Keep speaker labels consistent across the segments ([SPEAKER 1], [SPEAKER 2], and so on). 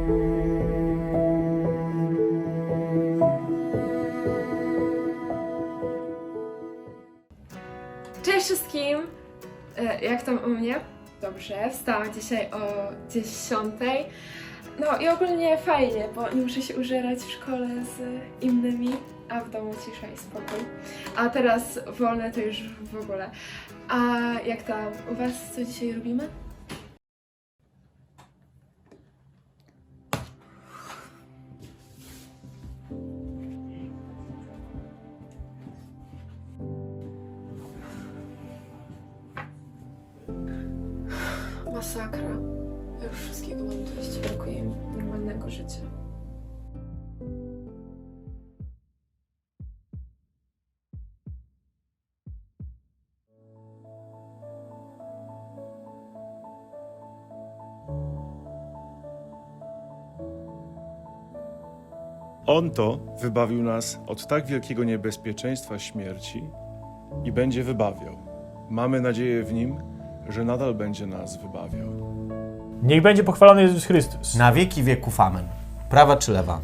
[SPEAKER 1] Cześć wszystkim! Jak tam u mnie? Dobrze, wstałam dzisiaj o 10. No i ogólnie fajnie, bo nie muszę się użerać w szkole z innymi, a w domu cisza i spokój. A teraz wolne to już w ogóle. A jak tam u was, co dzisiaj robimy? Masakra. Ja już wszystkiego mam dość. Brakuje mi normalnego życia.
[SPEAKER 2] On to wybawił nas od tak wielkiego niebezpieczeństwa śmierci i będzie wybawiał. Mamy nadzieję w Nim, że nadal będzie nas wybawiał.
[SPEAKER 3] Niech będzie pochwalony Jezus Chrystus.
[SPEAKER 4] Na wieki wieków amen. Prawa czy lewa?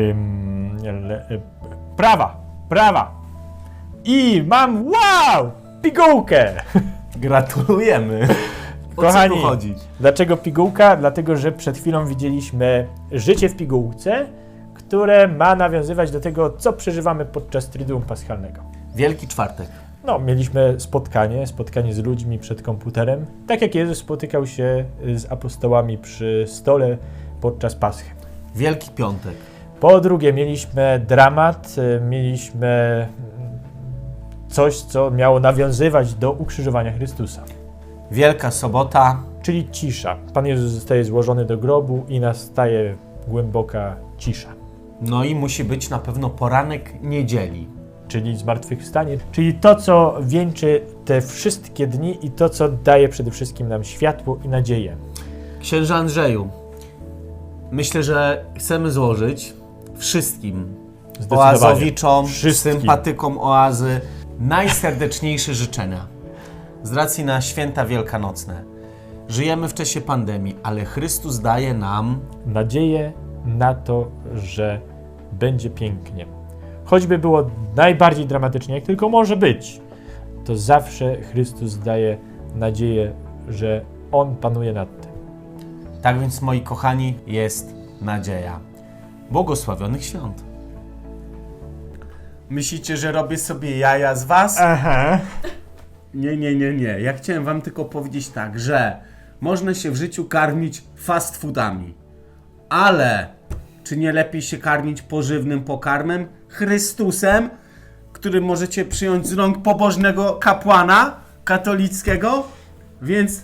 [SPEAKER 3] Prawa. I mam, wow, pigułkę.
[SPEAKER 4] Gratulujemy.
[SPEAKER 3] Kochani,
[SPEAKER 4] o co tu chodzi?
[SPEAKER 3] Dlaczego pigułka? Dlatego, że przed chwilą widzieliśmy życie w pigułce, które ma nawiązywać do tego, co przeżywamy podczas Triduum Paschalnego.
[SPEAKER 4] Wielki Czwartek.
[SPEAKER 3] No, mieliśmy spotkanie z ludźmi przed komputerem, tak jak Jezus spotykał się z apostołami przy stole podczas Paschy.
[SPEAKER 4] Wielki Piątek.
[SPEAKER 3] Po drugie, mieliśmy dramat, mieliśmy coś, co miało nawiązywać do ukrzyżowania Chrystusa.
[SPEAKER 4] Wielka Sobota.
[SPEAKER 3] Czyli cisza. Pan Jezus zostaje złożony do grobu i nastaje głęboka cisza.
[SPEAKER 4] No i musi być na pewno poranek niedzieli.
[SPEAKER 3] Czyli zmartwychwstanie. Czyli to, co wieńczy te wszystkie dni i to, co daje przede wszystkim nam światło i nadzieję.
[SPEAKER 4] Księże Andrzeju, myślę, że chcemy złożyć wszystkim oazowiczom, sympatykom oazy najserdeczniejsze życzenia. Z racji na święta wielkanocne. Żyjemy w czasie pandemii, ale Chrystus daje nam
[SPEAKER 3] nadzieję na to, że będzie pięknie. Choćby było najbardziej dramatycznie, jak tylko może być, to zawsze Chrystus daje nadzieję, że On panuje nad tym.
[SPEAKER 4] Tak więc, moi kochani, jest nadzieja. Błogosławionych świąt. Myślicie, że robię sobie jaja z was?
[SPEAKER 3] Aha.
[SPEAKER 4] Nie. Ja chciałem wam tylko powiedzieć tak, że można się w życiu karmić fast foodami, ale czy nie lepiej się karmić pożywnym pokarmem? Chrystusem, który możecie przyjąć z rąk pobożnego kapłana katolickiego, więc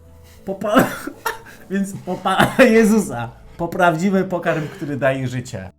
[SPEAKER 4] Jezusa, po prawdziwy pokarm, który daje życie.